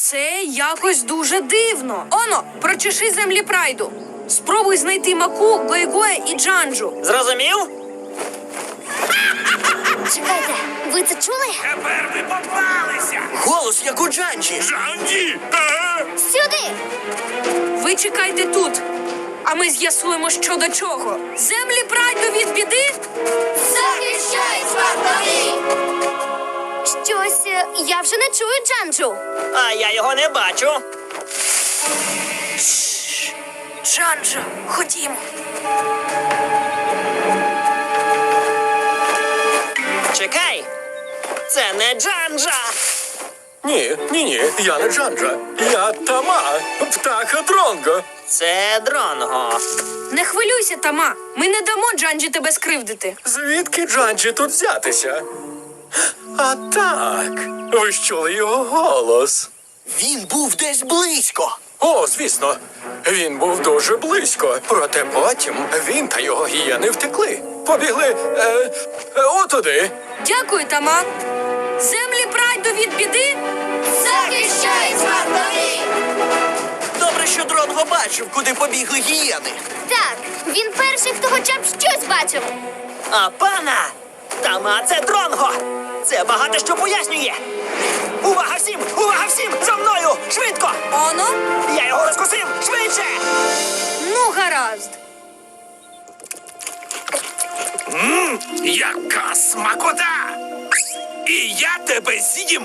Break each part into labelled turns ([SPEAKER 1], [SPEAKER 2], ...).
[SPEAKER 1] Це якось дуже дивно. Оно, прочеши землі прайду. Спробуй знайти Маку, Гойгоя і Джанджу.
[SPEAKER 2] Зрозумів?
[SPEAKER 3] Чекайте, ви це чули?
[SPEAKER 4] Тепер ви попалися!
[SPEAKER 2] Голос, як у Джанджі.
[SPEAKER 4] Жанді!
[SPEAKER 3] Сюди!
[SPEAKER 1] Ви чекайте тут, а ми з'ясуємо, що до чого. Землі прайду від біди?
[SPEAKER 3] Захищай вартові! Щось, я вже не чую Джанджу.
[SPEAKER 2] А я його не бачу.
[SPEAKER 1] Джанджа, ходімо.
[SPEAKER 2] Чекай. Це не Джанджа.
[SPEAKER 5] Ні, я не Джанджа. Я Тама, птаха Дронго.
[SPEAKER 2] Це Дронго.
[SPEAKER 1] Не хвилюйся, Тама. Ми не дамо Джанджі тебе скривдити.
[SPEAKER 5] Звідки Джанджі тут взятися? А так, ви ж чули його голос.
[SPEAKER 2] Він був десь близько.
[SPEAKER 5] О, звісно, він був дуже близько. Проте потім він та його гієни втекли. Побігли отуди.
[SPEAKER 1] Дякую, Тама. Землі прайду від біди?
[SPEAKER 3] Захищай вартові!
[SPEAKER 2] Добре, що Дронго бачив, куди побігли гієни.
[SPEAKER 3] Так, він перший, хто хоча б щось бачив.
[SPEAKER 2] А пана! Тама, це Дронго! Це багато що пояснює! Увага всім! Увага всім! За мною! Швидко!
[SPEAKER 1] Оно?
[SPEAKER 2] Я його розкусив! Швидше!
[SPEAKER 1] Ну, гаразд.
[SPEAKER 4] Яка смакота! І я тебе з'їм!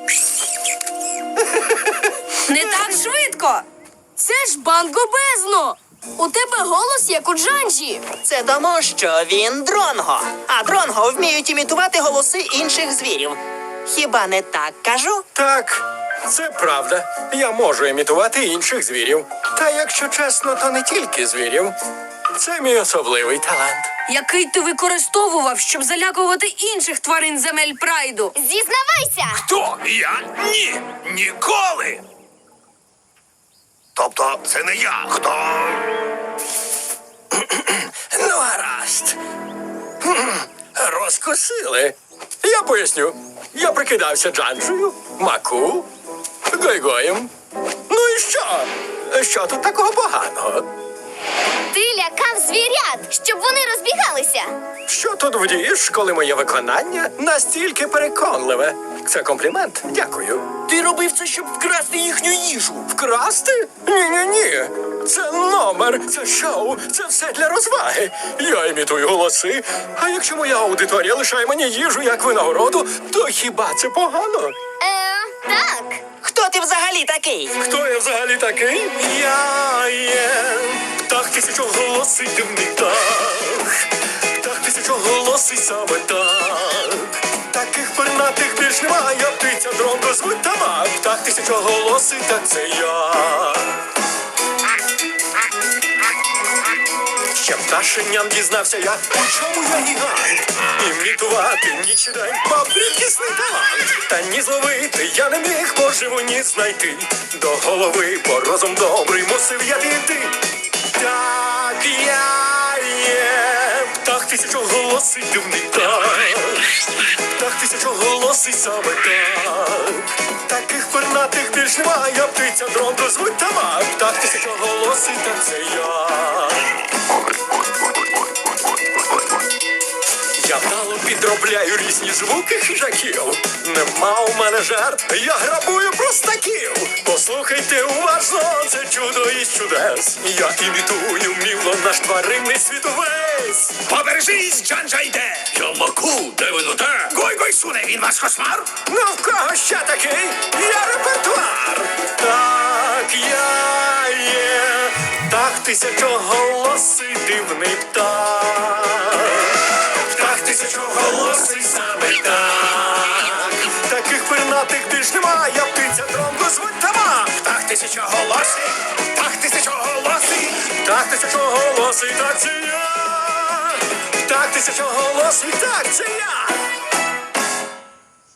[SPEAKER 1] Не так швидко. Це ж Банго Безно. У тебе голос, як у Джанджі.
[SPEAKER 2] Це тому, що він Дронго. А Дронго вміють імітувати голоси інших звірів. Хіба не так кажу?
[SPEAKER 5] Так, це правда. Я можу імітувати інших звірів. Та якщо чесно, то не тільки звірів. Це мій особливий талант.
[SPEAKER 1] Який ти використовував, щоб залякувати інших тварин земель прайду?
[SPEAKER 3] Зізнавайся!
[SPEAKER 4] Хто? Я? Ні! Ніколи! Тобто, це не я. Хто?
[SPEAKER 5] Ну, гаразд. Розкусили. Я поясню. Я прикидався Джанджею, Маку, Гойгоєм. Ну і що? Що тут такого поганого?
[SPEAKER 3] Ти лякав звірят, щоб вони розбігалися.
[SPEAKER 5] Що тут вдієш, коли моє виконання настільки переконливе? Це комплімент? Дякую.
[SPEAKER 2] Ти робив це, щоб вкрасти їхню їжу.
[SPEAKER 5] Вкрасти? Ні. Це номер, це шоу, це все для розваги. Я імітую голоси, а якщо моя аудиторія лишає мені їжу як винагороду, то хіба це погано?
[SPEAKER 3] Так.
[SPEAKER 2] Хто ти взагалі такий?
[SPEAKER 5] Хто я взагалі такий? Я є птах тисячоголосий дивний птах. Птах тисячоголосий саме так. Таких пернатих більш немає, птиця Дронго звуть Тама. Птах тисячоголосий, так це я. Ще пташенням дізнався я, у чому я гігант. Імітувати ніч і день мав рідкісний талант. Та ні зловити я не міг поживу ні знайти. До голови, бо розум добрий мусив я піти. Так я є птах тисячоголосий дивний птах. Птах тисячоголосий саме так. Таких пернатих більш немає, птиця Дронго звуть Тама. Птах тисячоголосий, так це я. Я вдало підробляю різні звуки хижаків. Нема у мене жарт, я грабую простаків. Послухайте уважно, це чудо із чудес. Я імітую вміло наш тваринний світ увесь.
[SPEAKER 4] Побережись, Джанджа йде! Я Маку, де ви те? Гой-гой суне, він ваш кошмар?
[SPEAKER 5] Ну в кого ще такий? Я репертуар. Так я є птах тисячоголосий дивний птах. Птах тисячоголосий саме так. Таких пернатих більш немає, птиця Дронго звуть Тама.
[SPEAKER 4] Птах тисячоголосий! Птах тисячоголосий!
[SPEAKER 5] Птах тисячоголосий, так це я. Птах тисячоголосий, так це я.